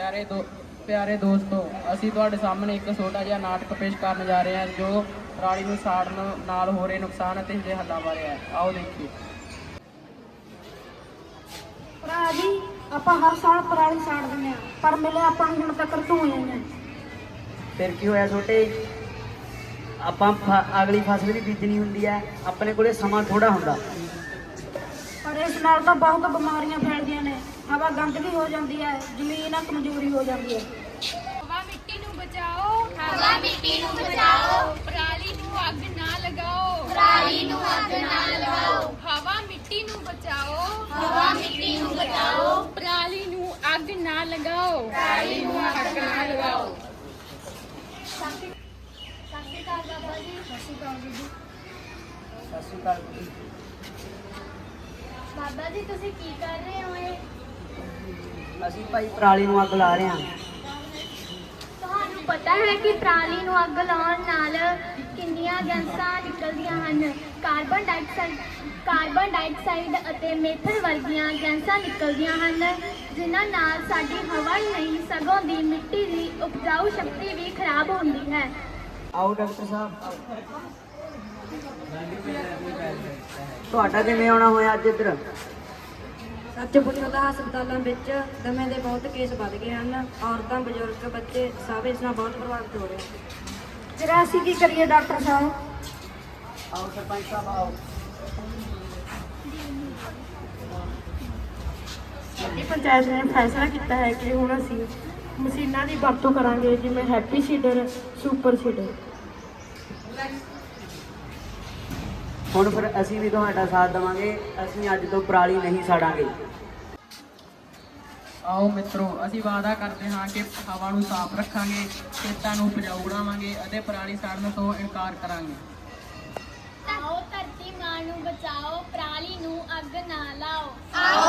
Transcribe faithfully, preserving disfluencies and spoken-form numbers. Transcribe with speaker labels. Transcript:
Speaker 1: ਪਿਆਰੇ ਦੋ ਪਿਆਰੇ ਦੋਸਤੋ, ਅਸੀਂ ਤੁਹਾਡੇ ਸਾਹਮਣੇ ਇੱਕ ਛੋਟਾ ਜਿਹਾ ਨਾਟਕ ਪੇਸ਼ ਕਰਨ ਜਾ ਰਹੇ ਹਾਂ ਜੋ ਪਰਾਲੀ ਨੂੰ ਸਾੜਨ ਨਾਲ ਹੋ ਰਹੇ ਨੁਕਸਾਨ ਅਤੇ ਇਸਦੇ ਹੱਲਾਂ ਬਾਰੇ ਹੈ। ਆਓ ਦੇਖੀਏ।
Speaker 2: ਭਰਾ ਜੀ, ਆਪਾਂ ਹਰ ਸਾਲ ਪਰਾਲੀ ਸਾੜ ਦਿੰਦੇ ਹਾਂ, ਪਰ ਮਿਲੇ ਆਪਾਂ ਨੂੰ ਹੁਣ ਤੱਕ ਧੂਏ ਨੇ।
Speaker 3: ਫਿਰ ਕੀ ਹੋਇਆ ਛੋਟੇ? ਆਪਾਂ ਫ- ਅਗਲੀ ਫਸਲ ਵੀ ਬੀਜਣੀ ਹੁੰਦੀ ਹੈ, ਆਪਣੇ ਕੋਲੇ ਸਮਾਂ ਥੋੜਾ ਹੁੰਦਾ।
Speaker 2: ਪਰ ਇਸ ਨਾਲ ਤਾਂ ਬਹੁਤ ਬਿਮਾਰੀਆਂ ਫੈਲਦੀਆਂ ਨੇ। ਹਵਾ ਗੰਦਗੀ ਹੋ ਜਾਂਦੀ ਹੈ, ਜ਼ਮੀਨ ਕਮਜ਼ੋਰੀ ਹੋ ਜਾਂਦੀ ਹੈ।
Speaker 4: ਹਵਾ ਮਿੱਟੀ ਨੂੰ ਬਚਾਓ, ਹਵਾ ਮਿੱਟੀ ਨੂੰ ਬਚਾਓ, ਪਰਾਲੀ ਨੂੰ ਅੱਗ ਨਾ ਲਗਾਓ, ਪਰਾਲੀ ਨੂੰ ਅੱਗ ਨਾ ਲਗਾਓ। ਹਵਾ ਮਿੱਟੀ ਨੂੰ ਬਚਾਓ, ਹਵਾ ਮਿੱਟੀ ਨੂੰ ਬਚਾਓ, ਪਰਾਲੀ ਨੂੰ ਅੱਗ ਨਾ ਲਗਾਓ, ਪਰਾਲੀ ਨੂੰ ਅੱਗ ਨਾ ਲਗਾਓ। ਸਤਿ ਸ਼੍ਰੀ ਅਕਾਲ ਬਾਬਾ ਜੀ। ਸਤਿ ਸ਼੍ਰੀ ਅਕਾਲ ਜੀ।
Speaker 3: ਸਤਿ ਸ਼੍ਰੀ ਅਕਾਲ ਜੀ।
Speaker 4: ਬਾਬਾ ਜੀ, ਤੁਸੀਂ ਕੀ ਕਰ ਰਹੇ ਹੋ? ਇਹ
Speaker 3: ਅਸੀਂ ਭਾਈ ਪਰਾਲੀ ਨੂੰ ਅੱਗ ਲਾ ਰਹੇ ਹਾਂ।
Speaker 4: ਤੁਹਾਨੂੰ ਪਤਾ ਹੈ ਕਿ ਪਰਾਲੀ ਨੂੰ ਅੱਗ ਲਾਉਣ ਨਾਲ ਕਿੰਨੀਆਂ ਗੈਸਾਂ ਨਿਕਲਦੀਆਂ ਹਨ? ਕਾਰਬਨ ਡਾਈਆਕਸਾਈਡ ਕਾਰਬਨ ਡਾਈਆਕਸਾਈਡ ਅਤੇ ਮੀਥੇਨ ਵਰਗੀਆਂ ਗੈਸਾਂ ਨਿਕਲਦੀਆਂ ਹਨ, ਜਿਨ੍ਹਾਂ ਨਾਲ ਸਾਡੀ ਹਵਾ ਹੀ ਨਹੀਂ ਸਗੋਂ ਦੀ ਮਿੱਟੀ ਦੀ ਉਪਜਾਊ ਸ਼ਕਤੀ ਵੀ ਖਰਾਬ ਹੁੰਦੀ ਹੈ।
Speaker 3: ਆਓ ਡਾਕਟਰ ਸਾਹਿਬ। ਤੁਹਾਡਾ ਕਿਵੇਂ ਆਉਣਾ ਹੋਇਆ ਅੱਜ ਇੱਧਰ?
Speaker 2: ਸੱਚ ਪੁੱਛੋ ਤਾਂ ਹਸਪਤਾਲਾਂ ਵਿੱਚ ਦਮੇ ਦੇ ਬਹੁਤ ਕੇਸ ਵੱਧ ਗਏ ਹਨ। ਔਰਤਾਂ, ਬਜ਼ੁਰਗ, ਬੱਚੇ ਸਭ ਇਸ ਨਾਲ ਬਹੁਤ ਪ੍ਰਭਾਵਿਤ ਹੋ ਰਹੇ ਹਨ। ਫਿਰ ਅਸੀਂ ਕੀ ਕਰੀਏ ਡਾਕਟਰ ਸਾਹਿਬ?
Speaker 3: ਆਓ ਸਰਪੰਚ ਸਾਹਿਬ ਆਓ।
Speaker 2: ਸਾਡੀ ਪੰਚਾਇਤ ਨੇ ਫੈਸਲਾ ਕੀਤਾ ਹੈ ਕਿ ਹੁਣ ਅਸੀਂ ਮਸ਼ੀਨਾਂ ਦੀ ਵਰਤੋਂ ਕਰਾਂਗੇ, ਜਿਵੇਂ ਹੈਪੀ ਸੀਡਰ, ਸੁਪਰ ਸੀਡਰ।
Speaker 3: ਹੁਣ ਫਿਰ ਅਸੀਂ ਵੀ ਤੁਹਾਡਾ ਸਾਥ ਦੇਵਾਂਗੇ। ਅਸੀਂ ਅੱਜ ਤੋਂ ਪਰਾਲੀ ਨਹੀਂ ਸਾੜਾਂਗੇ।
Speaker 1: ਆਓ ਮਿੱਤਰੋ, ਅਸੀਂ ਵਾਅਦਾ ਕਰਦੇ ਹਾਂ ਕਿ ਹਵਾ ਨੂੰ ਸਾਫ਼ ਰੱਖਾਂਗੇ, ਖੇਤਾਂ ਨੂੰ ਉਪਜਾਊ ਬਣਾਵਾਂਗੇ ਅਤੇ ਪਰਾਲੀ ਸਾੜਨ ਤੋਂ ਇਨਕਾਰ ਕਰਾਂਗੇ।
Speaker 4: ਆਓ ਧਰਤੀ ਮਾਂ ਨੂੰ ਬਚਾਓ, ਪਰਾਲੀ ਨੂੰ ਅੱਗ ਨਾ ਲਾਓ।